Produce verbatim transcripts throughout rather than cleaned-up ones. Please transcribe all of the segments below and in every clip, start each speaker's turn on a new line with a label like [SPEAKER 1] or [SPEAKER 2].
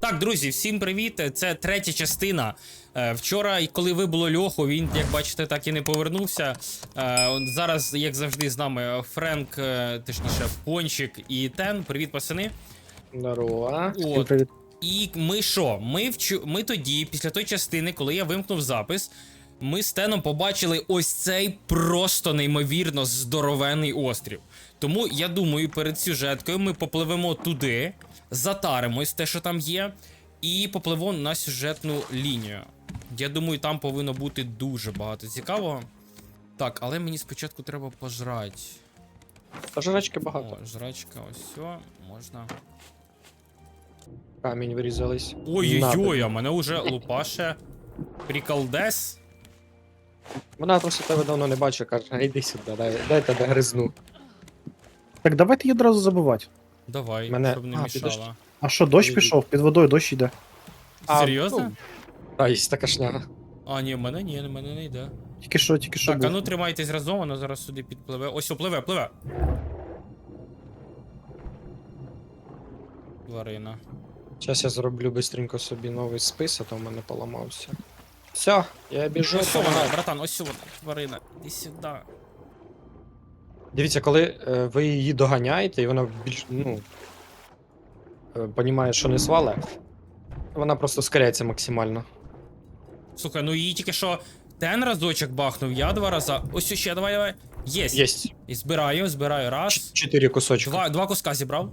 [SPEAKER 1] Так, друзі, всім привіт. Це третя частина. Вчора, коли вибуло Льоху, він, як бачите, так і не повернувся. Зараз, як завжди, з нами Френк, точніше, Пончик і Тен. Привіт, пацани.
[SPEAKER 2] Здорово.
[SPEAKER 1] От.
[SPEAKER 2] Привіт.
[SPEAKER 1] І ми що? Ми, вчу... ми тоді, після тої частини, коли я вимкнув запис, ми з Теном побачили ось цей просто неймовірно здоровенний острів. Тому, я думаю, перед сюжеткою ми попливемо туди, затаримось те, що там є, і попливемо на сюжетну лінію. Я думаю, там повинно бути дуже багато цікавого. Так, але мені спочатку треба пожрати.
[SPEAKER 2] Та жрачки багато.
[SPEAKER 1] О, жрачка, ось все, можна.
[SPEAKER 2] Камінь вирізались.
[SPEAKER 1] Ой-ой-ой, а мене вже лупаше приколдес.
[SPEAKER 2] Вона просто тебе давно не бачить, каже, а йди сюди, дай, дай тебе гризну.
[SPEAKER 3] Так давайте її одразу забивати.
[SPEAKER 1] Давай,
[SPEAKER 2] Мене-
[SPEAKER 1] щоб не
[SPEAKER 2] а,
[SPEAKER 1] мішала.
[SPEAKER 2] підожди.
[SPEAKER 3] А що, дощ
[SPEAKER 2] Ні,
[SPEAKER 3] пішов? Під водою дощ йде.
[SPEAKER 2] А,
[SPEAKER 1] Серйозно?
[SPEAKER 2] ну, Та, є така шняга.
[SPEAKER 1] А, ні, в мене ні, в мене не йде.
[SPEAKER 3] Тільки що, тільки що
[SPEAKER 1] Так, а
[SPEAKER 3] був.
[SPEAKER 1] ну тримайтесь разом, воно зараз сюди підпливе. Ось, о, пливе, пливе. Тварина.
[SPEAKER 2] Зараз я зроблю бистренько собі новий спис, а то в мене поламався. Все, я біжу.
[SPEAKER 1] Ось вона,
[SPEAKER 2] помагаю.
[SPEAKER 1] братан, ось вона, тварина. Іди сюди.
[SPEAKER 2] Дивіться, коли е, ви її доганяєте, і вона більш, ну, е, понімає, що не свале, вона просто скоряється максимально.
[SPEAKER 1] Слухай, ну її тільки що Тен разочок бахнув, я два рази. Ось ще, давай, давай. Єсть.
[SPEAKER 2] Єсть.
[SPEAKER 1] І збираю, збираю. Раз.
[SPEAKER 2] Ч- Чотири кусочки.
[SPEAKER 1] Два, два куска зібрав.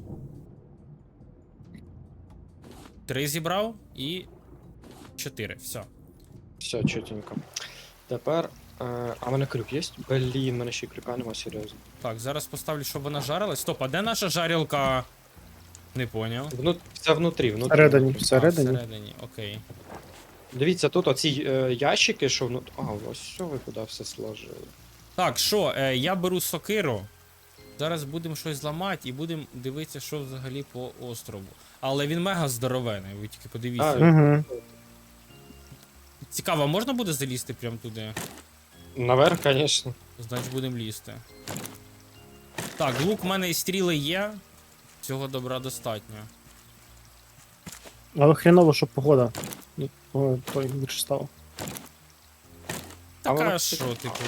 [SPEAKER 1] Три зібрав і. Чотири. Все.
[SPEAKER 2] Все, чотенько. Тепер. Е, а в мене крюк є? Блін, в мене ще й крюка нема, серйозно.
[SPEAKER 1] Так, зараз поставлю, щоб вона жарилась. Стоп, а де наша жарілка? Не поняв.
[SPEAKER 2] Вну... Це внутрі, внутрі.
[SPEAKER 3] Всередині,
[SPEAKER 2] внутрі.
[SPEAKER 1] А,
[SPEAKER 3] всередині.
[SPEAKER 1] всередині, окей.
[SPEAKER 2] Дивіться, тут оці е, ящики, що внутрі. А, ось що ви куди все сложили.
[SPEAKER 1] Так, що, е, я беру сокиру. Зараз будемо щось зламати і будемо дивитися, що взагалі по острову. Але він мега здоровений, ви тільки подивіться.
[SPEAKER 2] А,
[SPEAKER 3] Угу.
[SPEAKER 1] Цікаво, а можна буде залізти прямо туди?
[SPEAKER 2] Наверх, звісно.
[SPEAKER 1] Значить будемо лізти. Так, лук в мене і стріли є. Цього добра достатньо.
[SPEAKER 3] Але хреново, щоб погода. Ну, о, той більше стало.
[SPEAKER 2] А воно,
[SPEAKER 1] Така
[SPEAKER 2] кстати,
[SPEAKER 1] що, типу.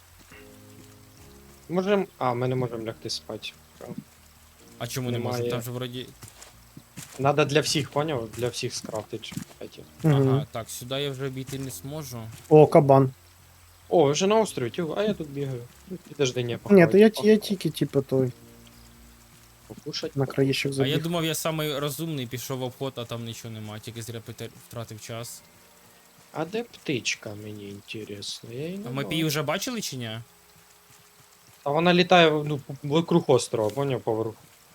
[SPEAKER 2] Можем. А, ми не можемо лягти спати.
[SPEAKER 1] А чому не
[SPEAKER 2] Немає.
[SPEAKER 1] можна? Там же вроді.
[SPEAKER 2] Надо для всіх, поняв? Для всіх скрафтити. Эти.
[SPEAKER 3] Угу.
[SPEAKER 1] Ага, так, сюди я вже обійти не зможу.
[SPEAKER 3] О, кабан.
[SPEAKER 2] О, ви вже на острові, тю, а я тут бігаю. Ну, Підожди, не
[SPEAKER 3] Ні,
[SPEAKER 2] поховай.
[SPEAKER 3] то я, я тільки, типу, той,
[SPEAKER 2] Покушать.
[SPEAKER 3] на краєщик
[SPEAKER 1] А я
[SPEAKER 3] забіг.
[SPEAKER 1] думав, я самий розумний, пішов в обход, а там нічого нема, тільки зря пите- втратив час.
[SPEAKER 2] А де птичка, мені інтересно? Я її не
[SPEAKER 1] А ми
[SPEAKER 2] бачу.
[SPEAKER 1] її вже бачили чи ні?
[SPEAKER 2] А вона літає ну, вокруг острова, поняв, поверху.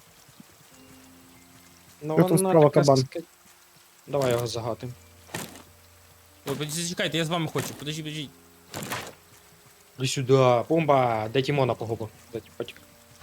[SPEAKER 2] Ну,
[SPEAKER 3] Що там справа,
[SPEAKER 2] така
[SPEAKER 3] кабан?
[SPEAKER 2] ска- Давай його загатим.
[SPEAKER 1] Ой, подожди, чекайте, я з вами хочу. Подожди, подожди.
[SPEAKER 2] Іди сюди, бомба! Де Тімона погубив? Де Тіпотік?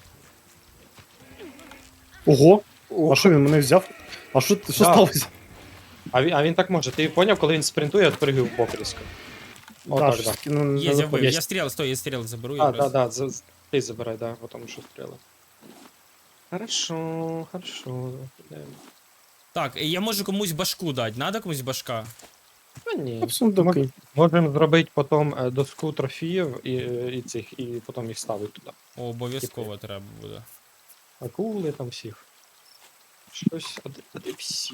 [SPEAKER 3] Ого!
[SPEAKER 2] О,
[SPEAKER 3] А що він мене взяв? А що, що
[SPEAKER 2] Да.
[SPEAKER 3] сталося?
[SPEAKER 2] А він, а він так може. Ти поняв, коли він спринтує, відпригив в бок різко. О, так,
[SPEAKER 3] щось
[SPEAKER 2] да.
[SPEAKER 3] таки, ну,
[SPEAKER 1] Є,
[SPEAKER 3] не
[SPEAKER 1] я вбив.
[SPEAKER 3] виходить.
[SPEAKER 1] Я стріл, стой, я стріл заберу
[SPEAKER 2] А,
[SPEAKER 1] якраз.
[SPEAKER 2] да, да, за- з- ти забирай, да, потому що стріли. Хорошо, хорошо. Йдемо.
[SPEAKER 1] Так, я можу комусь башку дати. Надо комусь башка?
[SPEAKER 2] А ні.
[SPEAKER 3] Та в сундуки.
[SPEAKER 2] Можемо зробити потім е, доску трофіїв і, е, і цих, і потім їх ставити туди.
[SPEAKER 1] О, обов'язково треба буде.
[SPEAKER 2] Акули там всіх. Щось, а де, а де всі?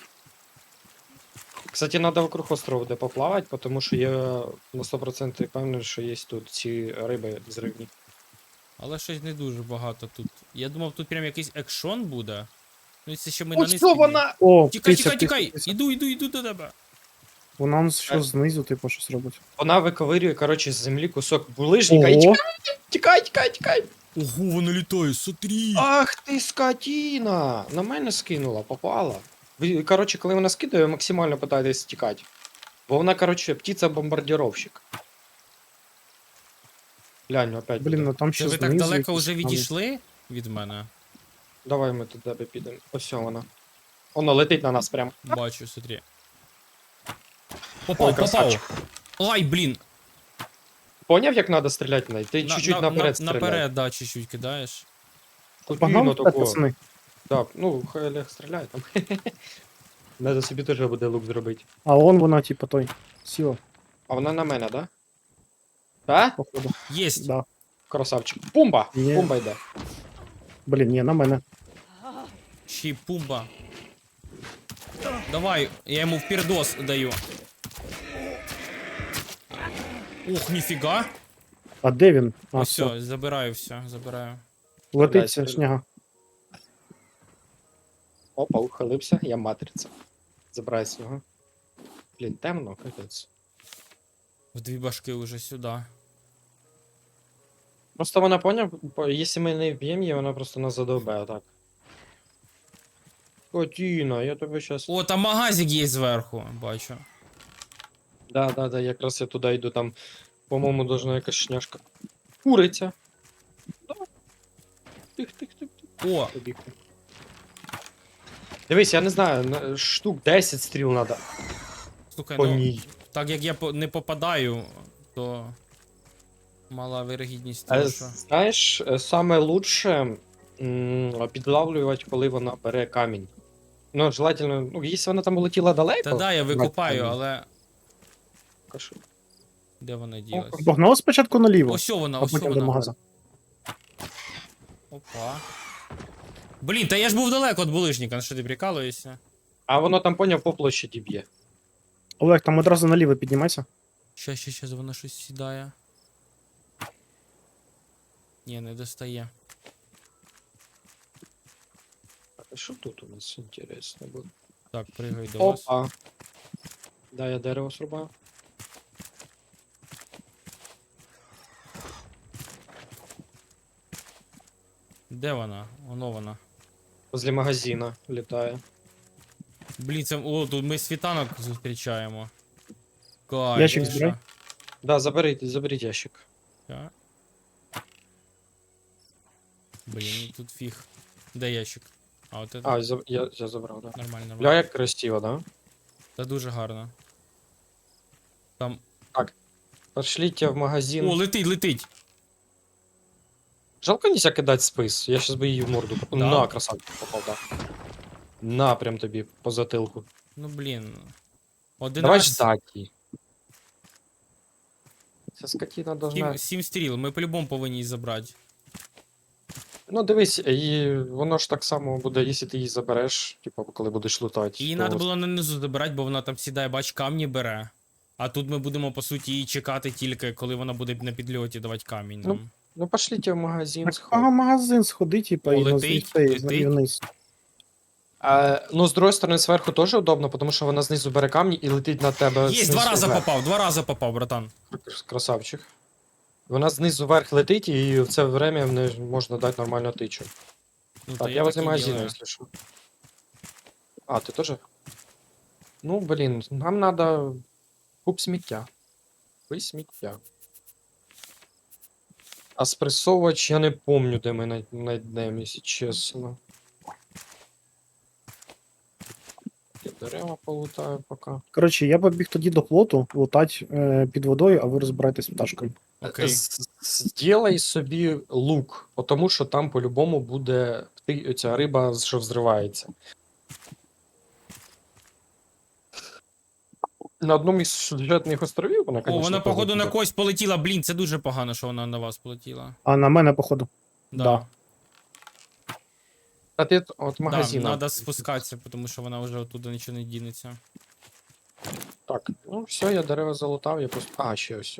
[SPEAKER 2] Кстати, треба вокруг острова де поплавати, тому що я на сто відсотків певний, що є тут ці риби зривні.
[SPEAKER 1] Але щось не дуже багато тут. Я думав, тут прям якийсь екшон буде. Ну, це ще ми
[SPEAKER 2] Ось
[SPEAKER 1] на низ
[SPEAKER 2] що
[SPEAKER 1] піднімемо.
[SPEAKER 2] вона!
[SPEAKER 3] О,
[SPEAKER 1] Тікай,
[SPEAKER 3] тися,
[SPEAKER 1] тікай,
[SPEAKER 3] тися,
[SPEAKER 1] тікай!
[SPEAKER 3] тися.
[SPEAKER 1] Іду, іду, іду до тебе.
[SPEAKER 3] Вона нас що
[SPEAKER 2] Е.
[SPEAKER 3] знизу, типу, щось робить.
[SPEAKER 2] Вона виковирює, коротше, з землі кусок булижника і
[SPEAKER 3] Ого!
[SPEAKER 2] тікай, тікай, тікай, тікай!
[SPEAKER 1] Ого, воно літає, смотри!
[SPEAKER 2] Ах ти скотіна! На мене скинула, попала. Ви, коротше, коли вона скидає, ви максимально питаєтесь тікати. Бо вона, коротше, птиця-бомбардировщик. Глянь, опять.
[SPEAKER 3] Блін,
[SPEAKER 2] буде.
[SPEAKER 3] ну там
[SPEAKER 1] Це
[SPEAKER 3] ще
[SPEAKER 1] ви
[SPEAKER 3] знизу.
[SPEAKER 1] так далеко
[SPEAKER 3] якісь
[SPEAKER 1] вже
[SPEAKER 3] там-
[SPEAKER 1] відійшли від мене?
[SPEAKER 2] Давай ми туди підемо. Ось вона. Воно летить на нас прям.
[SPEAKER 1] Бачу, смотри.
[SPEAKER 2] Ой,
[SPEAKER 1] Попав,
[SPEAKER 2] красавчик.
[SPEAKER 1] попав. Ай, блін.
[SPEAKER 2] Поняв, як треба стріляти в неї? Ти
[SPEAKER 1] На-
[SPEAKER 2] чуть-чуть
[SPEAKER 1] на-
[SPEAKER 2] наперед
[SPEAKER 1] на-
[SPEAKER 2] стріляй.
[SPEAKER 1] Наперед, да, чуть-чуть кидаєш.
[SPEAKER 2] Скотіна
[SPEAKER 3] Погнали вперед,
[SPEAKER 2] такого.
[SPEAKER 3] пацани.
[SPEAKER 2] Так, ну, хай Олег стріляє там. Надо собі теж буде лук зробити.
[SPEAKER 3] А он вона, типа, той. Сіла,
[SPEAKER 2] А вона на мене, да? Да?
[SPEAKER 3] походу.
[SPEAKER 1] Єсть.
[SPEAKER 3] Да.
[SPEAKER 2] Красавчик. Пумба!
[SPEAKER 3] Є.
[SPEAKER 2] Пумба йде.
[SPEAKER 3] Блін, ні, на мене.
[SPEAKER 1] Ще й пумба. Давай, я йому впірдос даю. Ох, ніфіга.
[SPEAKER 3] А де він? А,
[SPEAKER 1] Ось
[SPEAKER 3] все.
[SPEAKER 1] все, забираю все, забираю.
[SPEAKER 3] Летить
[SPEAKER 2] Стріляй,
[SPEAKER 3] ця шняга.
[SPEAKER 2] Опа, ухилився, я матриця. Забирай з нього. Блін, темно, капець.
[SPEAKER 1] В дві башки уже сюди.
[SPEAKER 2] Просто вона поняв, по- якщо ми не вб'ємо її, вона просто нас задовбе, отак. Котіна, я тебе щас...
[SPEAKER 1] О, там магазик є зверху, бачу.
[SPEAKER 2] Да, да, да, якраз я туди йду, там, по-моєму, должна якась шняшка. Куриця. Да. Тих, тих, тих, тих.
[SPEAKER 1] О,
[SPEAKER 2] Побіг. Дивись, я не знаю, на- штук десять стріл треба
[SPEAKER 1] слухай,
[SPEAKER 2] по
[SPEAKER 1] ну,
[SPEAKER 2] ній.
[SPEAKER 1] так як я по- не попадаю, то мала вирогідність
[SPEAKER 2] А,
[SPEAKER 1] того, що...
[SPEAKER 2] знаєш, е, саме лучше м, підлавлювати, коли вона бере камінь. Ну, желательно, ну, якщо вона там улетіла далеко.
[SPEAKER 1] Та да, я
[SPEAKER 2] брати
[SPEAKER 1] викупаю,
[SPEAKER 2] камінь.
[SPEAKER 1] але
[SPEAKER 2] Кажу,
[SPEAKER 1] де вона ділась?
[SPEAKER 3] Погнали спочатку наліво,
[SPEAKER 1] Ось вона,
[SPEAKER 3] а
[SPEAKER 1] ось
[SPEAKER 3] потім до
[SPEAKER 1] вона.
[SPEAKER 3] магаза.
[SPEAKER 1] Опа. Блін, та я ж був далеко від булижника, на що ти прикалуєшся?
[SPEAKER 2] А воно там, поняв, по площаді б'є.
[SPEAKER 3] Олег, там одразу наліво піднімайся.
[SPEAKER 1] Щас, щас, щас, вона щось сідає. Ні, не достає.
[SPEAKER 2] А що тут у нас інтересно буде?
[SPEAKER 1] Так, пригай до вас.
[SPEAKER 2] Опа. Да, я дерево срубаю.
[SPEAKER 1] Де вона? Воно вона.
[SPEAKER 2] Возле магазина літає.
[SPEAKER 1] Блін, це. О, тут ми світанок зустрічаємо. Кайф.
[SPEAKER 3] Ящик
[SPEAKER 1] ти
[SPEAKER 3] збирай.
[SPEAKER 1] що?
[SPEAKER 2] Да, заберіть, заберіть ящик.
[SPEAKER 1] Так. Блін, тут фіг. Де ящик? А, от це
[SPEAKER 2] А, за- я, я забрав, да.
[SPEAKER 1] нормально, нормально.
[SPEAKER 2] Бля, як красиво, да?
[SPEAKER 1] Це дуже гарно. Там.
[SPEAKER 2] Пошліть в магазин.
[SPEAKER 1] О, летить, летить!
[SPEAKER 2] Жалко нельзя кидати спис. Я щас би її в морду. поп-
[SPEAKER 1] Да?
[SPEAKER 2] На, красавчик попав, да. На, прям тобі по затилку.
[SPEAKER 1] Ну блін.
[SPEAKER 2] Давай
[SPEAKER 1] одинадцять.
[SPEAKER 2] ждать її. Ця скотина должна...
[SPEAKER 1] Сім, сім стріл, ми по-любому повинні її забрати.
[SPEAKER 2] Ну дивись, і воно ж так само буде, якщо ти її забереш, типу, коли будеш лутати.
[SPEAKER 1] Її
[SPEAKER 2] то-
[SPEAKER 1] треба було на низу забирати, бо вона там сідає, бач, камні бере. А тут ми будемо, по суті, її чекати тільки, коли вона буде на підльоті давати камінь
[SPEAKER 2] Ну,
[SPEAKER 1] нам.
[SPEAKER 2] Ну пошліть в магазин.
[SPEAKER 3] Так,
[SPEAKER 2] сходь.
[SPEAKER 3] ага, магазин сходи, типа,
[SPEAKER 1] О,
[SPEAKER 3] і на
[SPEAKER 1] летить,
[SPEAKER 3] цей,
[SPEAKER 1] летить.
[SPEAKER 3] і вниз.
[SPEAKER 2] А, ну, з другої сторони, зверху теж удобно, тому що вона знизу бере камні і летить на тебе.
[SPEAKER 1] Є,
[SPEAKER 2] знизу
[SPEAKER 1] два рази
[SPEAKER 2] вверх.
[SPEAKER 1] попав, два рази попав, братан.
[SPEAKER 2] Красавчик. Вона знизу вверх летить, і в це время в неї можна дати нормально тичу.
[SPEAKER 1] Ну,
[SPEAKER 2] Так,
[SPEAKER 1] то
[SPEAKER 2] я возле
[SPEAKER 1] так і
[SPEAKER 2] магазина,
[SPEAKER 1] ділаю.
[SPEAKER 2] если что. А, ты тоже? Ну, блин, нам надо куб сміття. Ви сміття. А спресовувач я не помню, де ми най- найдемо, якщо чесно. Я дерева полутаю поки.
[SPEAKER 3] Коротше, я побіг тоді до плоту, лутать е, під водою, а ви розбирайтесь з пташкою.
[SPEAKER 1] Окей.
[SPEAKER 2] З- Зробай собі лук, тому що там по-любому буде ти- ця риба, що взривається. На одному із сюжетних островів вона,
[SPEAKER 1] О,
[SPEAKER 2] конечно,
[SPEAKER 1] вона,
[SPEAKER 2] теж
[SPEAKER 1] походу, на
[SPEAKER 2] буде.
[SPEAKER 1] когось полетіла. Блін, це дуже погано, що вона на вас полетіла.
[SPEAKER 3] А на мене, походу.
[SPEAKER 1] Да.
[SPEAKER 3] Да.
[SPEAKER 2] А ти от- от
[SPEAKER 1] Да,
[SPEAKER 2] магазина.
[SPEAKER 1] надо спускатися, тому що вона вже оттуда нічого не дінеться.
[SPEAKER 2] Так, ну все, я дерева залутав, я просто. А, ще ось.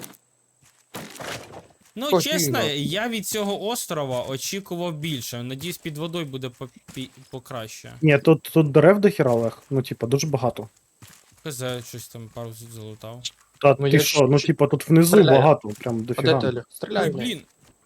[SPEAKER 1] Ну,
[SPEAKER 2] Ось
[SPEAKER 1] чесно,
[SPEAKER 2] іменно.
[SPEAKER 1] я від цього острова очікував більше. Надіюсь, під водою буде попі- покраще.
[SPEAKER 3] Ні, тут, тут дерев до хіра, Олег. Ну, типа, дуже багато.
[SPEAKER 1] Хз, щось там пару залутав.
[SPEAKER 3] Та
[SPEAKER 2] Ну,
[SPEAKER 3] ти
[SPEAKER 2] я
[SPEAKER 3] що, ну
[SPEAKER 2] чуть-чуть
[SPEAKER 3] типа тут внизу
[SPEAKER 2] стріляю.
[SPEAKER 3] багато, прям
[SPEAKER 2] А де ти,
[SPEAKER 3] дофіга.
[SPEAKER 2] Олег? Стріляй,
[SPEAKER 1] Ой,
[SPEAKER 2] в неї.
[SPEAKER 1] блін,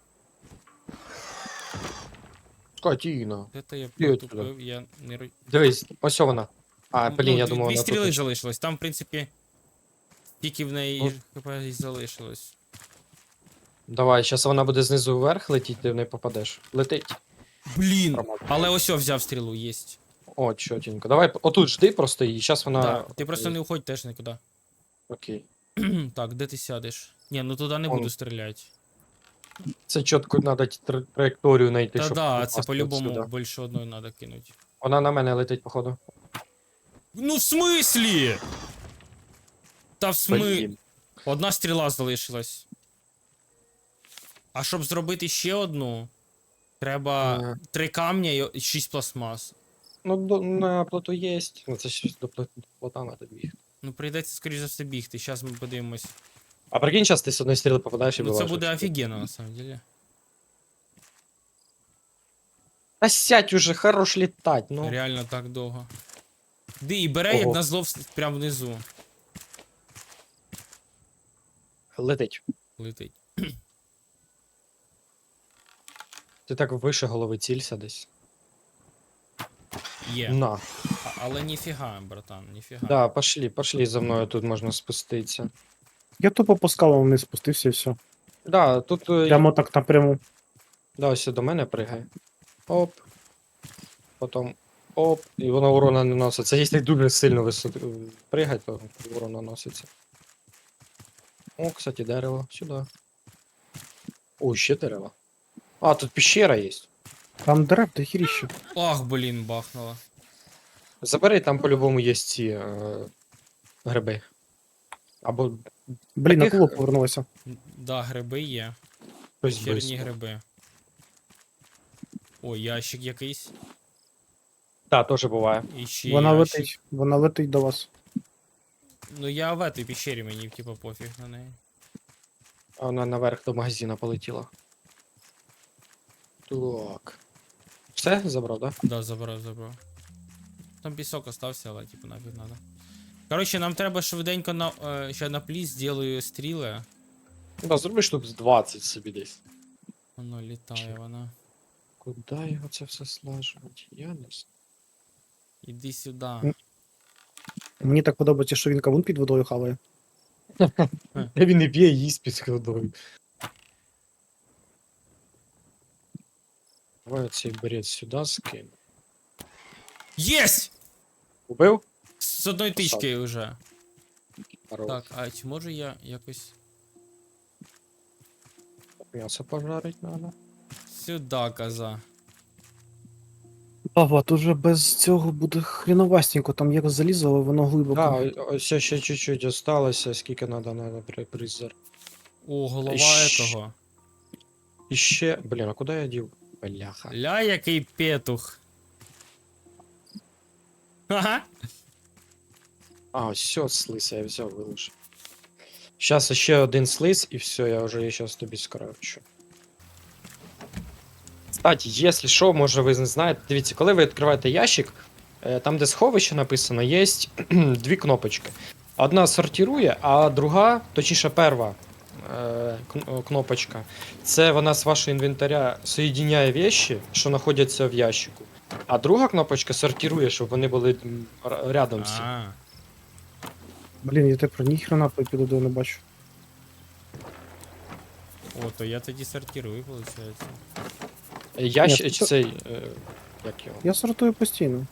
[SPEAKER 2] Скотіна.
[SPEAKER 1] де то я
[SPEAKER 2] Ти от
[SPEAKER 1] протупив, я не ро-
[SPEAKER 2] Дивись, ось вона. А,
[SPEAKER 1] Ну,
[SPEAKER 2] блін, я
[SPEAKER 1] дві-
[SPEAKER 2] думав,
[SPEAKER 1] Дві
[SPEAKER 2] вона
[SPEAKER 1] стріли
[SPEAKER 2] тут.
[SPEAKER 1] залишилось, там, в принципі, тільки в неї
[SPEAKER 2] Ну.
[SPEAKER 1] хп і залишилось.
[SPEAKER 2] Давай, зараз вона буде знизу вверх летіти, ти в неї попадеш. Летить.
[SPEAKER 1] Блін!
[SPEAKER 2] Промазав.
[SPEAKER 1] Але ось о, взяв стрілу, єсть.
[SPEAKER 2] О, чотенько. Давай, отут жди просто і зараз вона.
[SPEAKER 1] Да, ти просто не уходь теж нікуди.
[SPEAKER 2] Окей.
[SPEAKER 1] Так, де ти сядеш? Ні, ну туди не
[SPEAKER 2] Он.
[SPEAKER 1] буду стріляти.
[SPEAKER 2] Це чітко треба траєкторію знайти,
[SPEAKER 1] Та
[SPEAKER 2] щоб
[SPEAKER 1] да,
[SPEAKER 2] попасти
[SPEAKER 1] це по-любому
[SPEAKER 2] сюди.
[SPEAKER 1] більше одної треба кинути.
[SPEAKER 2] Вона на мене летить, походу.
[SPEAKER 1] Ну в смислі? Та в смислі?
[SPEAKER 2] Блін.
[SPEAKER 1] Одна стріла залишилась. А щоб зробити ще одну, треба
[SPEAKER 2] Ага.
[SPEAKER 1] три камня і шість пластмас.
[SPEAKER 2] Ну, до, на плоту є. Ну, це щось до плот- до плота надо бігти.
[SPEAKER 1] Ну, прийдеться, скоріш за все, бігти. Зараз ми подивимось.
[SPEAKER 2] А прикинь, зараз ти з одної стріли попадаєш і
[SPEAKER 1] Ну, це
[SPEAKER 2] вилажиш.
[SPEAKER 1] буде офігенно, на самом деле.
[SPEAKER 2] Та сядь уже, хорош літать, ну.
[SPEAKER 1] Реально так довго. Ди, і бере, як
[SPEAKER 2] Ого.
[SPEAKER 1] назло, вс- прямо внизу
[SPEAKER 2] Летить.
[SPEAKER 1] летить.
[SPEAKER 2] Ти так вище голови цілься десь.
[SPEAKER 1] Є.
[SPEAKER 2] На.
[SPEAKER 1] А- але ніфіга, братан, ніфіга.
[SPEAKER 2] Да, пошли, пошли за мною, тут можна спуститися.
[SPEAKER 3] Я тупо по скалам вниз спустився і все.
[SPEAKER 2] Да, тут. е,
[SPEAKER 3] Прямо так напряму.
[SPEAKER 2] Да, ось до мене пригай. Оп. Потім оп. І воно урона не носить. Це якщо дуже сильно висоти пригать, то урон наноситься. О, кстати, дерево. Сюди. О, ще дерево. А, тут пещера є.
[SPEAKER 3] Там дерев до хіріще.
[SPEAKER 1] Ах, блін, бахнуло.
[SPEAKER 2] Забери, там по-любому є ці е, гриби. Або
[SPEAKER 3] Блін,
[SPEAKER 2] Таких-
[SPEAKER 3] акула повернулася.
[SPEAKER 1] Да, гриби є.
[SPEAKER 2] щось
[SPEAKER 1] Херні
[SPEAKER 2] близько.
[SPEAKER 1] гриби. О, ящик якийсь.
[SPEAKER 2] Так, теж буває.
[SPEAKER 1] І ще
[SPEAKER 3] Вона
[SPEAKER 1] ящик.
[SPEAKER 3] летить. Вона летить до вас.
[SPEAKER 1] Ну я в этой пещері, мені типа пофіг на неї.
[SPEAKER 2] А вона наверх до магазина полетіла. Так. Все, забрав, да?
[SPEAKER 1] Да, забрав, забрав. Там пісок остався, але типу нафіг надо. Коротше, нам треба швиденько на. Е, ще на пліс зроблю стріли.
[SPEAKER 2] Ну, да, зроби штук з двадцять собі десь.
[SPEAKER 1] Воно літає вона.
[SPEAKER 2] Куди його це все слажувати? Я не знаю.
[SPEAKER 1] Іди сюди.
[SPEAKER 3] М. Мені так подобається, що він кавун під водою хаває.
[SPEAKER 2] Та він і п'є, і їсть під водою. Давай оцей берет сюди скину.
[SPEAKER 1] Єсть!
[SPEAKER 2] Убив?
[SPEAKER 1] З одної тички вже.
[SPEAKER 2] Хорош.
[SPEAKER 1] Так, а чи можу я якось.
[SPEAKER 2] М'ясо пожарить надо.
[SPEAKER 1] Сюди, коза.
[SPEAKER 3] Ава, тут вже без цього буде хріновастенько, там як залізо, але воно глибоко.
[SPEAKER 2] Да, ось ще чуть-чуть осталося, скільки надо, надо при призер.
[SPEAKER 1] О, голова
[SPEAKER 2] Щ-
[SPEAKER 1] этого.
[SPEAKER 2] І ще, блін, а куди я дів? Бляха.
[SPEAKER 1] Ля, який петух. Ага.
[SPEAKER 2] А, ось все, слиз, я взяв, вилучив. Щас ще один слиз, і все, я вже щас тобі скорочу. Кстати, якщо що, може ви не знаєте, дивіться, коли ви відкриваєте ящик, е, там, де сховище написано, є дві кнопочки. Одна сортирує, а друга, точніше перва е, кн- кнопочка, це вона з вашого інвентаря соєдиняє вещи, що знаходяться в ящику. А друга кнопочка сортирує, щоб вони були м, р- рядом всі.
[SPEAKER 1] А,
[SPEAKER 3] Блін, я тепер ніхрена під водою не бачу.
[SPEAKER 1] о, то я тоді сортирую, виходить.
[SPEAKER 2] Ящик
[SPEAKER 3] Ні, це-
[SPEAKER 2] цей. Е, як його?
[SPEAKER 3] Я сортую постійно.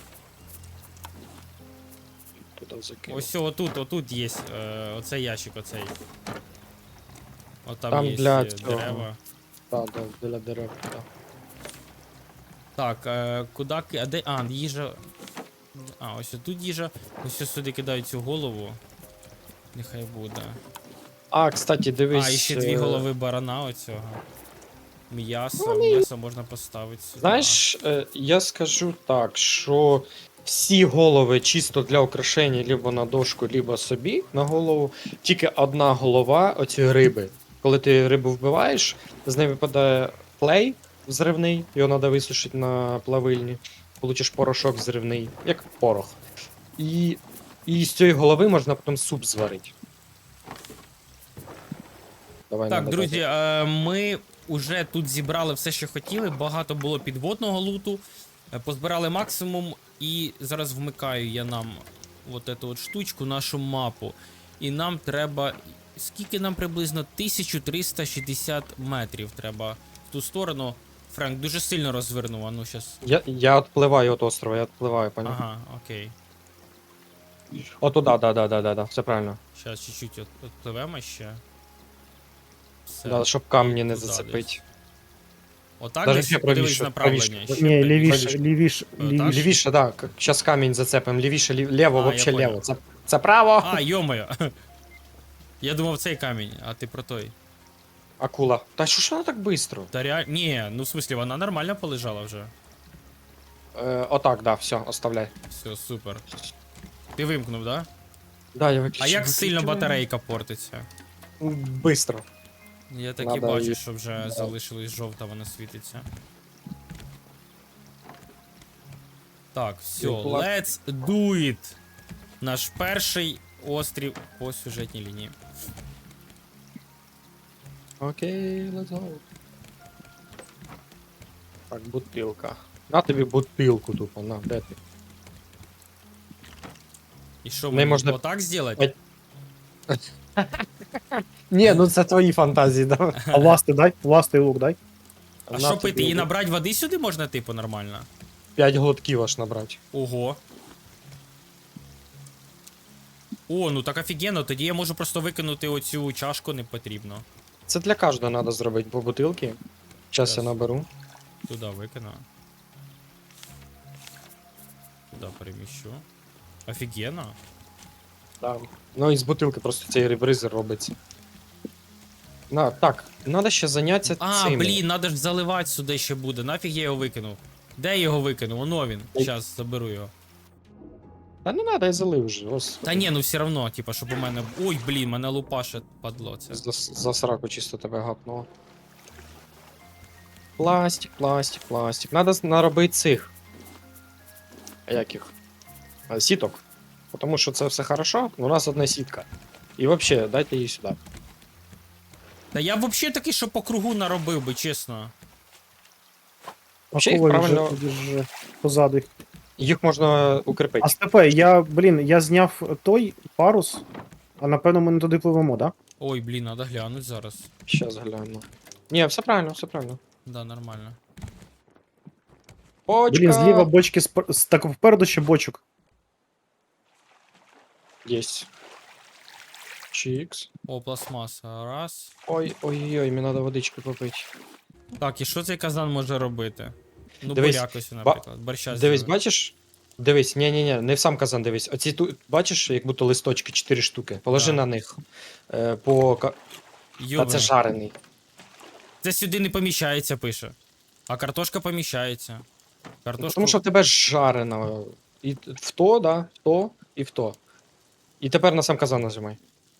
[SPEAKER 2] Туди закинув.
[SPEAKER 1] Ось отут, отут є е, оцей ящик, оцей. От там,
[SPEAKER 2] Там
[SPEAKER 1] є
[SPEAKER 2] для
[SPEAKER 1] е,
[SPEAKER 2] цього.
[SPEAKER 1] дерева.
[SPEAKER 2] Так, да, для дерев, так.
[SPEAKER 1] Так, е, куди ки. А де. А, їжа. А, ось тут їжа. Ось ось сюди кидають цю голову. Нехай буде.
[SPEAKER 2] А, кстати, дивись.
[SPEAKER 1] А, і ще дві
[SPEAKER 2] е,
[SPEAKER 1] голови барана оцього. М'ясо, м'ясо можна поставити сюди.
[SPEAKER 2] Знаєш, е, я скажу так, що всі голови чисто для украшення, либо на дошку, либо собі на голову. Тільки одна голова оці риби. Коли ти рибу вбиваєш, з неї випадає клей взривний, його треба висушити на плавильні. Получиш порошок взривний, як порох. І, і з цієї голови можна потім суп зварити. Давай,
[SPEAKER 1] Так,
[SPEAKER 2] надо
[SPEAKER 1] друзі,
[SPEAKER 2] дати.
[SPEAKER 1] е, ми вже тут зібрали все, що хотіли. Багато було підводного луту. е, Позбирали максимум. І зараз вмикаю я нам от эту от штучку, нашу мапу. І нам треба. Скільки нам приблизно? тисяча триста шістдесят метрів треба в ту сторону. Френк дуже сильно розвернув, а ну щас.
[SPEAKER 2] Я, я відпливаю від острова, я відпливаю, поняв?
[SPEAKER 1] Ага, окей.
[SPEAKER 2] О, туди, да, да, да, да, да, все правильно.
[SPEAKER 1] Зараз чуть-чуть от, отпливемо ще. Все.
[SPEAKER 2] Да, щоб камні не
[SPEAKER 1] туди
[SPEAKER 2] зацепить.
[SPEAKER 1] десь. Отак
[SPEAKER 2] Даже
[SPEAKER 1] десь
[SPEAKER 2] ще
[SPEAKER 1] подивись
[SPEAKER 2] правіше,
[SPEAKER 1] направлення.
[SPEAKER 2] правіше.
[SPEAKER 1] ще
[SPEAKER 3] Ні,
[SPEAKER 1] правіше.
[SPEAKER 3] лівіше,
[SPEAKER 2] правіше.
[SPEAKER 3] лівіше,
[SPEAKER 1] Е,
[SPEAKER 3] лівіше.
[SPEAKER 1] так?
[SPEAKER 2] Лівіше, так. Зараз камінь зацепимо. Лівіше, лів... ліво,
[SPEAKER 1] А, я
[SPEAKER 2] вообще
[SPEAKER 1] понял.
[SPEAKER 2] ліво. Це, це право.
[SPEAKER 1] А, йомаю. Я думав цей камінь, а ти про той.
[SPEAKER 2] Акула. Та що ж вона так швидко?
[SPEAKER 1] Та реаль... Ні, ну в смислі, вона нормально полежала вже.
[SPEAKER 2] Е, отак, да, все, оставляй.
[SPEAKER 1] Все, супер. Ти вимкнув, да?
[SPEAKER 2] Да, я виключив.
[SPEAKER 1] А як сильно
[SPEAKER 2] виключив.
[SPEAKER 1] батарейка портиться?
[SPEAKER 2] Бистро.
[SPEAKER 1] Я так і
[SPEAKER 2] Надо
[SPEAKER 1] бачу,
[SPEAKER 2] її-
[SPEAKER 1] що вже залишилась жовта, вона світиться. Так, все,
[SPEAKER 2] Була-
[SPEAKER 1] let's do it! Наш перший острів по сюжетній лінії.
[SPEAKER 2] Окей, let's go. Так, бутилка. На тобі бутилку тупо, на, де ти?
[SPEAKER 1] І що,
[SPEAKER 2] Не
[SPEAKER 1] мені
[SPEAKER 2] можна-
[SPEAKER 1] отак зробити?
[SPEAKER 2] Ні, ну це твої фантазії, да.
[SPEAKER 3] А ласти дай, ласти і лук дай.
[SPEAKER 1] А
[SPEAKER 2] На
[SPEAKER 1] що
[SPEAKER 2] тобі
[SPEAKER 1] пити? І
[SPEAKER 2] лук.
[SPEAKER 1] набрати води сюди можна, типу, нормально?
[SPEAKER 2] П'ять глотків аж набрати.
[SPEAKER 1] Ого. О, ну так офігенно, тоді я можу просто викинути оцю чашку, не потрібно.
[SPEAKER 2] Це для кожного треба зробити по бутилки. Зараз
[SPEAKER 1] Щас.
[SPEAKER 2] я наберу.
[SPEAKER 1] Туди викину. Туди переміщу. Офігенно.
[SPEAKER 2] Да. Ну і з бутилки просто цей ребризер робиться. На, так, треба ще зайнятися
[SPEAKER 1] А,
[SPEAKER 2] цим.
[SPEAKER 1] блін, надо ж заливати сюди ще буде. Нафіг я його викинув. Де я його викинув? Оно він.
[SPEAKER 2] Ой.
[SPEAKER 1] Зараз заберу його.
[SPEAKER 2] Та не треба, я залив вже. Ось.
[SPEAKER 1] Та ні, ну все равно, типа, щоб у мене. Ой, блін, мене лупаше падло це.
[SPEAKER 2] За, за сраку чисто тебе гапнуло. Пластик, пластик, пластик. Надо з- наробити цих. А як їх? А, сіток. Тому що це все хорошо, у нас одна сітка. І взагалі, дайте її сюди.
[SPEAKER 1] Та я взагалі такий, що по кругу наробив би, чесно.
[SPEAKER 2] Вообще їх
[SPEAKER 3] Акула
[SPEAKER 2] правильно-
[SPEAKER 3] лежить, лежить позаду. їх.
[SPEAKER 2] Їх можна укріпити.
[SPEAKER 3] А Степе, я, блін, я зняв той парус, а напевно ми не туди пливемо, да?
[SPEAKER 1] Ой, блін, надо глянути зараз.
[SPEAKER 2] Щас гляну. Ні, все правильно, все правильно.
[SPEAKER 1] Да, нормально.
[SPEAKER 2] Почка!
[SPEAKER 3] Блін, зліва бочки, спер... с- так впереду ще бочок.
[SPEAKER 2] Єсть. Чікс.
[SPEAKER 1] О, пластмаса. Раз.
[SPEAKER 2] Ой, ой, ой, мені треба водички попити.
[SPEAKER 1] Так, і що цей казан може робити? Ну,
[SPEAKER 2] Дивись,
[SPEAKER 1] бурякось,
[SPEAKER 2] ба-
[SPEAKER 1] наприклад. Борща
[SPEAKER 2] Дивись,
[SPEAKER 1] зробити.
[SPEAKER 2] бачиш? Дивись, ні, ні, ні, не в сам казан дивись. Оці тут, бачиш, як будто листочки, чотири штуки. Положи
[SPEAKER 1] Да.
[SPEAKER 2] на них. Е, по... ка- Та
[SPEAKER 1] Йобаний.
[SPEAKER 2] це жарений.
[SPEAKER 1] Це сюди не поміщається, пише. А картошка поміщається. Картошку...
[SPEAKER 2] Тому що в тебе жарено. І в то, да, в то і в то. І тепер на сам казан нажимай.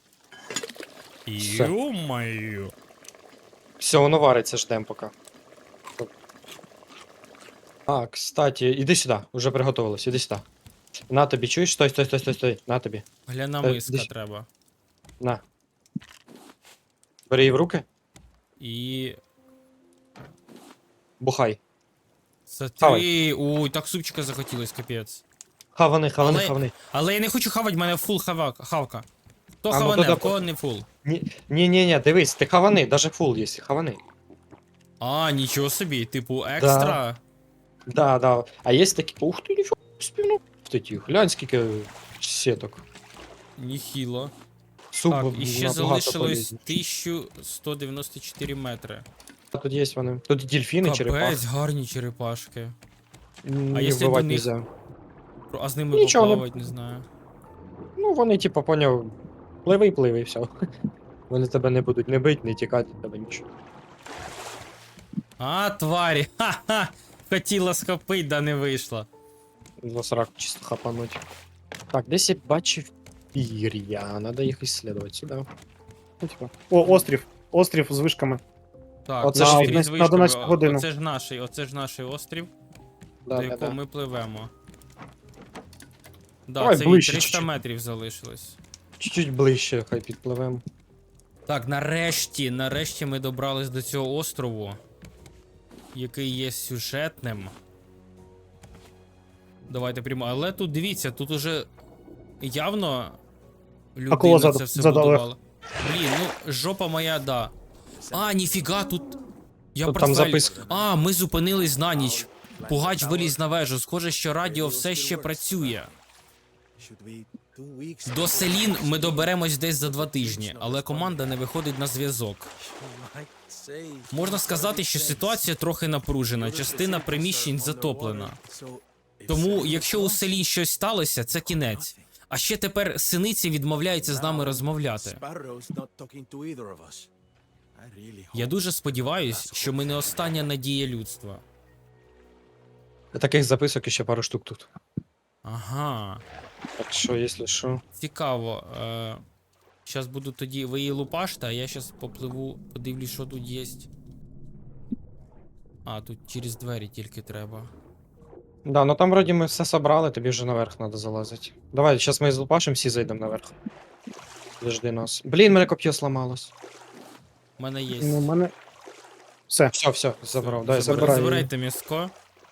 [SPEAKER 2] все.
[SPEAKER 1] Ё-моё.
[SPEAKER 2] Все, воно вариться, ждем поки. А, кстати, іди сюди, уже приготувалось, іди сюди. На тобі, чуєш? Стой, стой, стой, стой, стой. На тобі.
[SPEAKER 1] Гляна
[SPEAKER 2] Е,
[SPEAKER 1] миска
[SPEAKER 2] десь-
[SPEAKER 1] треба.
[SPEAKER 2] На. Бери її в руки,
[SPEAKER 1] І...
[SPEAKER 2] бухай.
[SPEAKER 1] Смотри, ой, так супчика захотілось, капець.
[SPEAKER 2] Хавани, хавани,
[SPEAKER 1] Але-
[SPEAKER 2] хавани.
[SPEAKER 1] Але я не хочу хавати, в мене фул хава... хавка. Хто
[SPEAKER 2] А, ну
[SPEAKER 1] хаване,
[SPEAKER 2] тоді
[SPEAKER 1] в кого не фул?
[SPEAKER 2] Ні, ні, ні, ні, дивись, ти хавани, даже фул є, хавани.
[SPEAKER 1] А, нічого собі, типу екстра.
[SPEAKER 2] Да, да. А є такі, ух ти, ніфіга, співно. Тоді, глянь, скільки сіток.
[SPEAKER 1] Ніхіло.
[SPEAKER 2] Суп
[SPEAKER 1] Так, і ще
[SPEAKER 2] набагато
[SPEAKER 1] залишилось
[SPEAKER 2] полезніше.
[SPEAKER 1] тисяча сто дев'яносто чотири метри.
[SPEAKER 2] Тут є вони. Тут дельфіни, черепахи.
[SPEAKER 1] Капець, гарні черепашки.
[SPEAKER 2] М,
[SPEAKER 1] А
[SPEAKER 2] їх
[SPEAKER 1] якщо
[SPEAKER 2] вбивати
[SPEAKER 1] до них-
[SPEAKER 2] нельзя.
[SPEAKER 1] А з ними
[SPEAKER 2] Нічого, не-
[SPEAKER 1] поплавати, не знаю.
[SPEAKER 2] Ну, вони, типу, поняв, пливи, пливи, і все. Вони тебе не будуть не бити, не тікати, від тебе нічого.
[SPEAKER 1] А, тварі! Ха-ха! Хотіла схопить, да не вийшло.
[SPEAKER 2] За срак чисто хапануть. Так, десь я бачив пір'я, надо їх ісследувати сюди.
[SPEAKER 3] Ну, типа. О, острів. Острів з вишками.
[SPEAKER 1] Так,
[SPEAKER 2] Оце
[SPEAKER 1] на
[SPEAKER 2] ж
[SPEAKER 1] острів
[SPEAKER 3] на
[SPEAKER 1] з вишками.
[SPEAKER 3] одинадцяту
[SPEAKER 1] О-
[SPEAKER 3] годину.
[SPEAKER 1] Оце ж наш, оце ж наш острів,
[SPEAKER 2] Да,
[SPEAKER 1] до
[SPEAKER 2] да,
[SPEAKER 1] якого
[SPEAKER 2] да.
[SPEAKER 1] ми пливемо. Да,
[SPEAKER 2] Давай
[SPEAKER 1] це
[SPEAKER 2] ближче
[SPEAKER 1] від триста
[SPEAKER 2] чуть-чуть.
[SPEAKER 1] метрів залишилось.
[SPEAKER 2] Чуть-чуть ближче, хай підпливемо.
[SPEAKER 1] Так, нарешті, нарешті ми добрались до цього острову, який є сюжетним. Давайте прямо. Але тут дивіться, тут уже явно людина
[SPEAKER 3] Акула
[SPEAKER 1] це
[SPEAKER 3] ззаду,
[SPEAKER 1] все
[SPEAKER 3] ззаду, Олег.
[SPEAKER 1] будувала. Блін, ну жопа моя, да. А, ніфіга, тут. Я
[SPEAKER 2] Тут там
[SPEAKER 1] портфель-
[SPEAKER 2] записка.
[SPEAKER 1] А, ми зупинились на ніч. Пугач виліз на вежу. Схоже, що радіо все ще працює. До Селін ми доберемось десь за два тижні, але команда не виходить на зв'язок. Можна сказати, що ситуація трохи напружена, частина приміщень затоплена. Тому, якщо у селі щось сталося, це кінець. А ще тепер синиці відмовляються з нами розмовляти. Я дуже сподіваюсь, що ми не остання надія людства.
[SPEAKER 2] Таких записок ще пару штук тут.
[SPEAKER 1] Ага,
[SPEAKER 2] Так що, якщо що.
[SPEAKER 1] цікаво. Е, щас буду тоді, ви її лупаште, а я щас попливу, подивлюсь, що тут є. А, тут через двері тільки треба.
[SPEAKER 2] Да, ну там вроді ми все собрали, тобі вже наверх треба залазити. Давай, зараз ми з Лупашем всі зайдемо наверх. Подожди нас. Блін, мене коп'є сломалось.
[SPEAKER 1] У мене є.
[SPEAKER 3] Ну, у мене. Все.
[SPEAKER 2] Все, все, забрав. Дай,
[SPEAKER 1] Забир-
[SPEAKER 2] забирай.
[SPEAKER 1] Забирайте м'яско.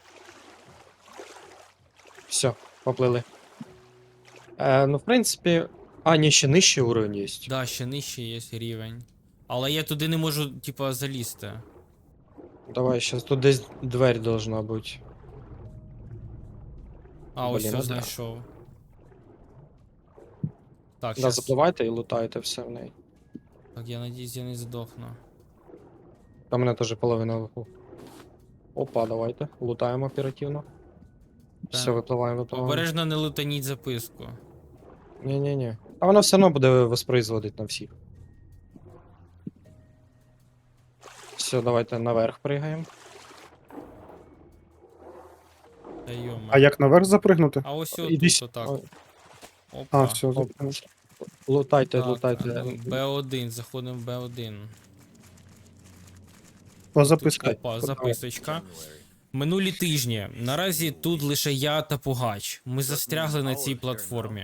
[SPEAKER 2] Все, поплили. Е, ну, в принципі. А, ні, ще нижчий уровень є.
[SPEAKER 1] Да, ще нижче є рівень. Але я туди не можу, типа, залізти.
[SPEAKER 2] Давай, зараз тут десь двері должна бути.
[SPEAKER 1] А, ось
[SPEAKER 2] Блін,
[SPEAKER 1] все
[SPEAKER 2] ну да.
[SPEAKER 1] знайшов. Так,
[SPEAKER 2] Да,
[SPEAKER 1] щас.
[SPEAKER 2] запливайте і лутайте все в неї.
[SPEAKER 1] Так, я надіюсь, я не здохну.
[SPEAKER 2] Там мене теж половина виху. Опа, давайте. Лутаємо оперативно. Все,
[SPEAKER 1] Так.
[SPEAKER 2] випливаємо, випливаємо.
[SPEAKER 1] Обережно не лутаніть записку.
[SPEAKER 2] Ні-ні-ні. А воно все одно буде воспроизводити на всіх. Все, давайте наверх пригаємо.
[SPEAKER 1] Та йома.
[SPEAKER 3] А як наверх запригнути?
[SPEAKER 1] А ось
[SPEAKER 2] Іди
[SPEAKER 1] тут,
[SPEAKER 2] с-
[SPEAKER 1] отак.
[SPEAKER 2] Ой,
[SPEAKER 1] Опа.
[SPEAKER 3] А, все, запригнути.
[SPEAKER 2] Лутайте,
[SPEAKER 1] Так,
[SPEAKER 2] лутайте.
[SPEAKER 1] ну, Б один, заходимо в Б один.
[SPEAKER 3] О, записка.
[SPEAKER 1] Опа, записочка. Минулі тижні. Наразі тут лише я та Пугач. Ми застрягли на цій платформі.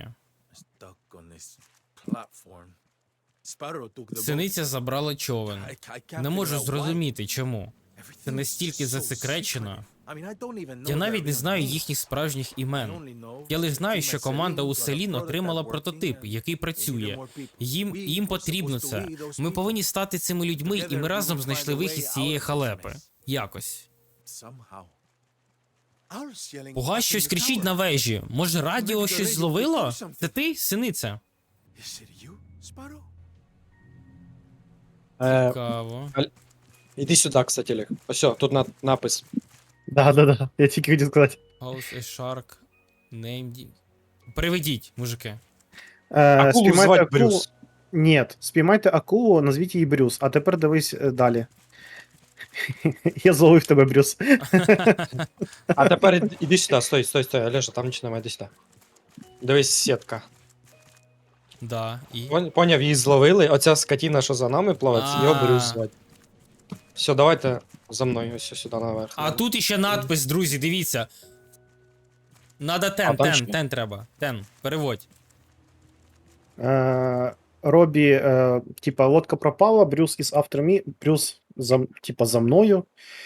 [SPEAKER 1] Синиця забрала човен. Не можу зрозуміти, чому. Це настільки засекречено. Я навіть не знаю їхніх справжніх імен. Я лише знаю, що команда у селін отримала прототип, який працює. Їм, їм потрібно це. Ми повинні стати цими людьми, і ми разом знайшли вихід з цієї халепи. Якось. Пугач щось кричить на вежі. Може, радіо щось зловило? Це ти, синиця?
[SPEAKER 2] Е,
[SPEAKER 1] Цікаво.
[SPEAKER 2] іди сюди, кстати, Олег. Ось, о, тут на, напис.
[SPEAKER 3] Да, да, да. Я тільки хотів сказати.
[SPEAKER 1] House a shark named... Приведіть, мужики.
[SPEAKER 3] Е,
[SPEAKER 2] Акулу
[SPEAKER 3] спіймайте
[SPEAKER 2] звати
[SPEAKER 3] акулу.
[SPEAKER 2] Брюс.
[SPEAKER 3] Ні, спіймайте акулу, назвіть її Брюс. А тепер дивись е, далі. Я зловив тебе, Брюс.
[SPEAKER 2] А тепер іди- іди сюди, стой, стой, стой, Олежа, там нічого немає, іди сюди. Дивись, сітка.
[SPEAKER 1] Да, і...
[SPEAKER 2] Пон- Поняв, її зловили. Оця скотіна, що за нами плаває, це його
[SPEAKER 1] А.
[SPEAKER 2] Брюс звати. Все, давайте за мною ось сюди наверх.
[SPEAKER 1] А тут іще надпис, друзі, дивіться. Надо тен,
[SPEAKER 2] А, там
[SPEAKER 1] тен,
[SPEAKER 2] що?
[SPEAKER 1] тен треба. Тен, переводь.
[SPEAKER 3] Е, Робі, е, типа, лодка пропала, Брюс is after me, Брюс, за, типа, за мною.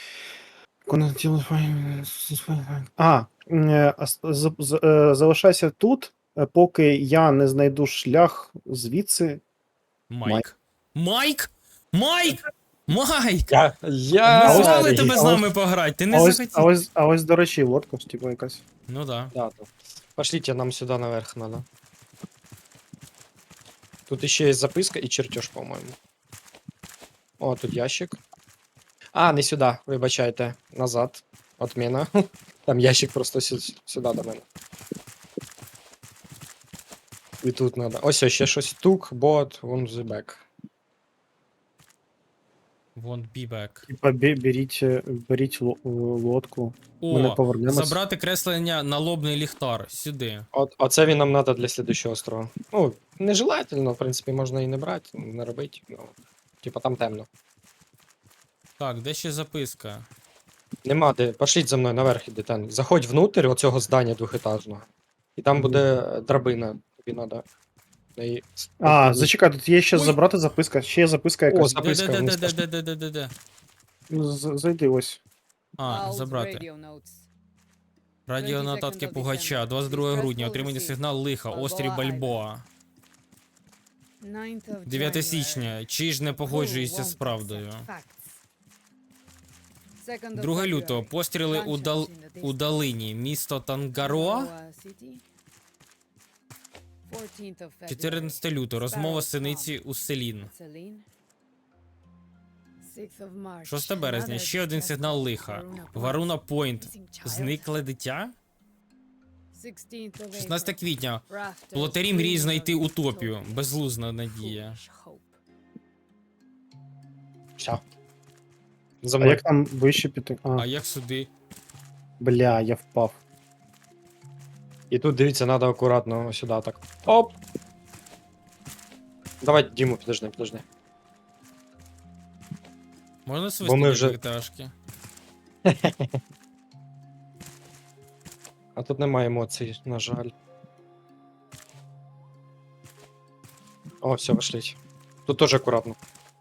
[SPEAKER 3] А, е, ас- з- з- е, залишайся тут, е, поки я не знайду шлях звідси.
[SPEAKER 1] Майк. Майк? Майк? Майк!
[SPEAKER 2] Я,
[SPEAKER 1] Ми
[SPEAKER 2] я...
[SPEAKER 1] звали
[SPEAKER 2] Сергій.
[SPEAKER 1] тебе з
[SPEAKER 3] а ось-
[SPEAKER 1] нами пограти, ти
[SPEAKER 3] А
[SPEAKER 1] не
[SPEAKER 3] ось, а
[SPEAKER 1] захотів.
[SPEAKER 3] ось, а ось, до речі, лодка, типа, якась.
[SPEAKER 1] Ну да.
[SPEAKER 2] Да, да. Пошлите, нам сюда наверх надо. Тут еще есть записка и чертеж, по-моему. О, тут ящик. А, не сюда, вибачайте. Назад. Отмена. Там ящик просто сю- сюди до мене. І тут надо. Ось ось ще щось. Тук, бот, вон the back.
[SPEAKER 1] Won't be back.
[SPEAKER 3] Типа, бе- беріть, е, беріть ло- е, лодку. Ми не
[SPEAKER 1] О,
[SPEAKER 3] повернемось.
[SPEAKER 1] забрати креслення налобний ліхтар. Сюди.
[SPEAKER 2] От, оце він нам надо для слідущого острова. Ну, нежелательно, в принципі, можна і не брати, не робити. Ну, типа там темно.
[SPEAKER 1] Так, де ще записка?
[SPEAKER 2] Нема де. Пошліть за мною наверх іди там. Заходь внутрь оцього здання двохетажного. І там
[SPEAKER 3] Мгм.
[SPEAKER 2] буде драбина. Тобі надо. неї с-
[SPEAKER 3] А, зачекай, тут є ще
[SPEAKER 1] Ой.
[SPEAKER 3] забрати записка. Ще є записка
[SPEAKER 2] О,
[SPEAKER 3] якась.
[SPEAKER 2] за- Записка
[SPEAKER 1] Де, де,
[SPEAKER 2] вниз
[SPEAKER 1] де, де,
[SPEAKER 2] пішла.
[SPEAKER 1] де, де, де, де, де?
[SPEAKER 3] З- Зайди ось.
[SPEAKER 1] А, забрати. Радіо нотатки Пугача, двадцять другого грудня, отримання сигнал лиха, острів Бальбоа. дев'яте січня, чи ж не погоджується з правдою? друге лютого, постріли у, дал... у долині, місто Тангароа. чотирнадцяте лютого, розмова синиці у Селін. шостого березня, ще один сигнал лиха. Варуна Пойнт. Зникле дитя? шістнадцяте квітня. Плотарі мріють знайти утопію. Безлузна надія.
[SPEAKER 2] Все. За
[SPEAKER 3] А
[SPEAKER 2] мною.
[SPEAKER 3] як там вище піти? А,
[SPEAKER 1] А як сюди?
[SPEAKER 3] бля, я впав.
[SPEAKER 2] І тут, дивіться, треба акуратно сюди так. Оп! Давай, Діму, підожди, підожди.
[SPEAKER 1] Можна
[SPEAKER 2] Бо
[SPEAKER 1] свистити
[SPEAKER 2] ми
[SPEAKER 1] вже...
[SPEAKER 2] вже-
[SPEAKER 1] пташки?
[SPEAKER 2] А тут немає емоцій, на жаль. О, все, пошліть. Тут теж акуратно.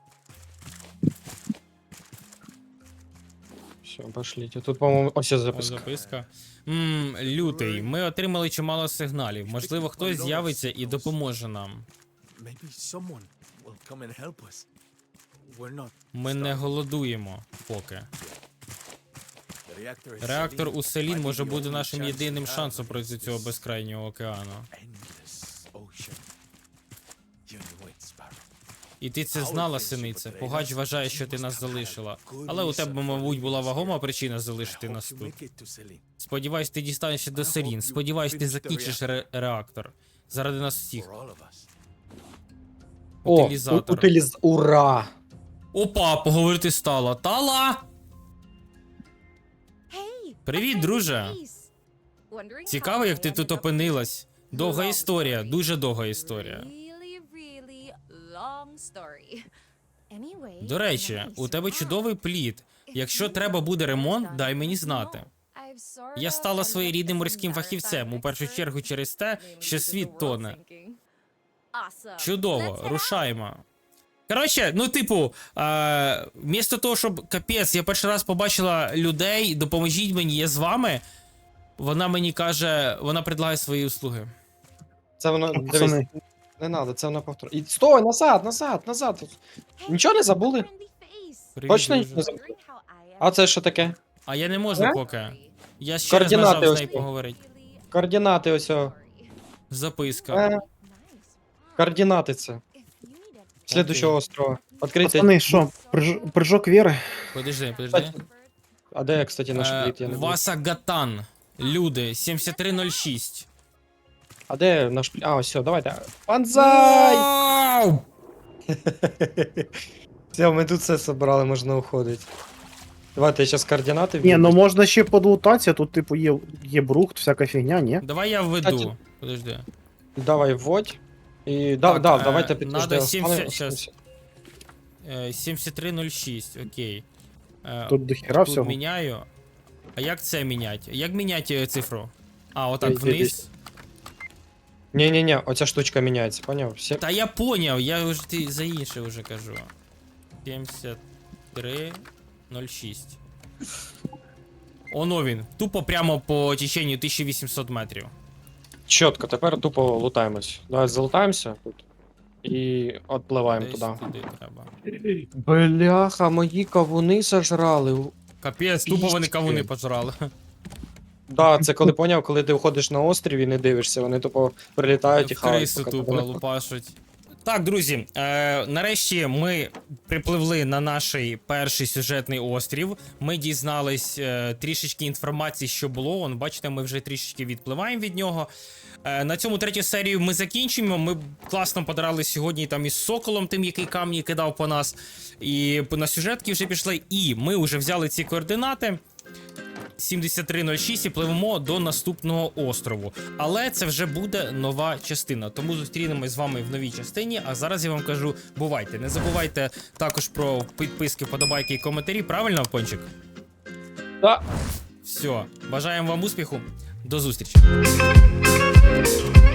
[SPEAKER 2] Все, пошліть. А тут, по-моєму, ось є
[SPEAKER 1] О,
[SPEAKER 2] записка.
[SPEAKER 1] записка. Ммм, лютий. Ми отримали чимало сигналів. Можливо, хтось з'явиться і допоможе нам.
[SPEAKER 4] Maybe someone will come and help us. We're not.
[SPEAKER 1] Ми не голодуємо поки.
[SPEAKER 4] The reactor is
[SPEAKER 1] Реактор
[SPEAKER 4] Selene.
[SPEAKER 1] у Селін
[SPEAKER 4] Might
[SPEAKER 1] може
[SPEAKER 4] be the
[SPEAKER 1] бути
[SPEAKER 4] only
[SPEAKER 1] нашим
[SPEAKER 4] chance
[SPEAKER 1] єдиним
[SPEAKER 4] we have
[SPEAKER 1] шансом
[SPEAKER 4] against
[SPEAKER 1] проти цього
[SPEAKER 4] this
[SPEAKER 1] безкрайнього океану.
[SPEAKER 4] endless ocean. You knew it, Sparrow.
[SPEAKER 1] І ти це знала, синице. Погач вважає, що ти нас залишила. Але у тебе, мабуть, була вагома причина залишити
[SPEAKER 4] I
[SPEAKER 1] нас
[SPEAKER 4] hope you
[SPEAKER 1] тут.
[SPEAKER 4] make it to Selene.
[SPEAKER 1] Сподіваюсь, ти дістанешся до Селін. Сподіваюсь, ти закінчиш ре- реактор. Заради нас всіх.
[SPEAKER 4] For all of us.
[SPEAKER 2] О,
[SPEAKER 1] Утилізатор.
[SPEAKER 2] у- утиліз... Ура!
[SPEAKER 1] Опа, поговорити стало. Тала! Привіт, друже. Цікаво, як ти тут опинилась. Довга історія, дуже довга історія. До речі, у тебе чудовий плід. Якщо треба буде ремонт, дай мені знати. Я стала своєрідним морським фахівцем, у першу чергу через те, що світ тоне. Чудово, рушаймо. Коротше, ну, типу, е, вмісто того, щоб капець, я перший раз побачила людей, допоможіть мені, я з вами. Вона мені каже, вона предлагає свої услуги.
[SPEAKER 2] Це воно,
[SPEAKER 3] Ну,
[SPEAKER 2] дивись,
[SPEAKER 3] пацани.
[SPEAKER 2] не треба, це воно повтор. І стой, назад, назад, назад. Нічого не забули?
[SPEAKER 1] Привіт,
[SPEAKER 2] Точно
[SPEAKER 1] друже.
[SPEAKER 2] не забули? А це що таке?
[SPEAKER 1] А я не можу
[SPEAKER 2] Е?
[SPEAKER 1] поки. Я ще раз
[SPEAKER 2] Координати
[SPEAKER 1] нажав з
[SPEAKER 2] ось
[SPEAKER 1] нею
[SPEAKER 2] тут.
[SPEAKER 1] поговорити.
[SPEAKER 2] Координати ось. о.
[SPEAKER 1] Записка.
[SPEAKER 2] Е, координати це. Слідущого острова. Відкрийте.
[SPEAKER 3] Пацани, що, приж- прыжок віри?
[SPEAKER 1] Подожди, подожди.
[SPEAKER 2] А де, кстати, наш
[SPEAKER 1] Е,
[SPEAKER 2] плід? Я не бачу.
[SPEAKER 1] Васа Гатан. Люди, сімдесят три нуль шість.
[SPEAKER 2] А де наш плід? А, ось, все, давайте. Панзай!
[SPEAKER 1] Вау!
[SPEAKER 2] Все, ми тут все собрали, можна уходити. Давайте я зараз координати
[SPEAKER 3] Ні, ну
[SPEAKER 2] введу.
[SPEAKER 3] можна ще подлутатися, тут, типу, є, є брухт, всяка фігня, ні?
[SPEAKER 1] Давай я введу.
[SPEAKER 2] Кстати,
[SPEAKER 1] Подожди.
[SPEAKER 2] Давай вводь. І да,
[SPEAKER 1] Так,
[SPEAKER 2] да,
[SPEAKER 1] е,
[SPEAKER 2] давайте підтверджуємо.
[SPEAKER 1] надо сімдесят щас. Е, сімдесят три нуль шість, окей. Е,
[SPEAKER 3] Тут дохера
[SPEAKER 1] Тут
[SPEAKER 3] всього.
[SPEAKER 1] міняю. А як це міняти? Як міняти е, цифру? А, отак
[SPEAKER 2] Йди, йди.
[SPEAKER 1] вниз.
[SPEAKER 2] Ні-ні-ні, оця штучка міняється, поняв? Всі...
[SPEAKER 1] Та я поняв, я вже ти за інше вже кажу. сімдесят три нуль шість. Оно він. Тупо прямо по теченню тисяча вісімсот метрів.
[SPEAKER 2] Чітко, тепер тупо лутаємось. Давай залутаємося тут. І відпливаємо
[SPEAKER 1] Десь
[SPEAKER 2] туди.
[SPEAKER 1] туди треба.
[SPEAKER 2] Бляха, мої кавуни сожрали.
[SPEAKER 1] Капець, тупо вони
[SPEAKER 2] Пічки.
[SPEAKER 1] кавуни пожрали.
[SPEAKER 2] Да, це коли поняв, коли ти виходиш на острів і не дивишся, вони тупо прилітають і
[SPEAKER 1] В
[SPEAKER 2] хавають.
[SPEAKER 1] крису
[SPEAKER 2] поки
[SPEAKER 1] тупо
[SPEAKER 2] тебе-
[SPEAKER 1] лупашуть. Так, друзі, е, нарешті ми припливли на наш перший сюжетний острів. Ми дізнались е, трішечки інформації, що було. Вон, бачите, ми вже трішечки відпливаємо від нього. Е, на цьому третю серію ми закінчимо. Ми класно подрали сьогодні там із соколом, тим, який камні кидав по нас. І на сюжетки вже пішли. І ми вже взяли ці координати. сімдесят три нуль шість і пливемо до наступного острову. Але це вже буде нова частина. Тому зустрінемось з вами в новій частині. А зараз я вам кажу, бувайте. Не забувайте також про підписки, вподобайки і коментарі. Правильно, Пончик?
[SPEAKER 2] Да.
[SPEAKER 1] Все. Бажаємо вам успіху. До зустрічі.